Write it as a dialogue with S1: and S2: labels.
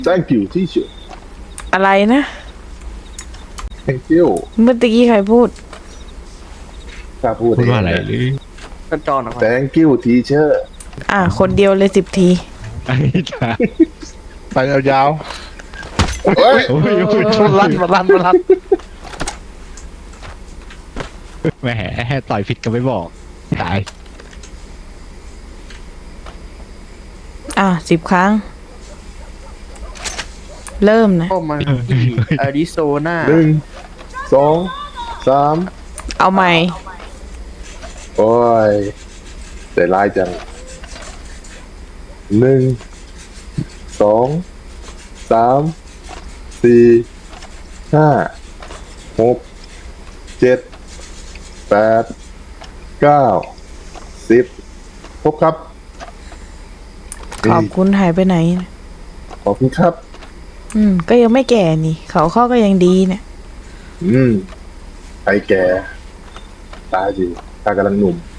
S1: thank you teacher
S2: อะไรนะ
S1: thank you
S2: เมื่อกี้ใครพูด
S1: ถ้าพูด
S3: พูดว่าอะไรหรือ
S4: กระจอนออกมา
S1: thank you teacher
S2: คนเดียวเลย10 ที
S3: ไอ้จ้า
S5: ไปยาว
S1: เฮ้ย
S3: โอ้ย
S5: ๆลั่นมาลั่น
S3: แหมต่อยผิดก็ไม่บอกตาย
S2: 10 ครั้ง เริ่มนะ
S4: เข้ามาที่อาริโซนา
S1: 1 2 3
S2: เอาใหม่
S1: โอ้ยแต่ร้ายจัง1 2 3 4 5 6 7 8 9 10ครบครับ
S2: ขอบคุณหายไปไหนนะ
S1: ขอบคุณครับ
S2: ก็ยังไม่แก่นี่ เขาข้อก็ยังดีเนี่ย
S1: ใครแก่ตายสิตากำลังหนุ่ม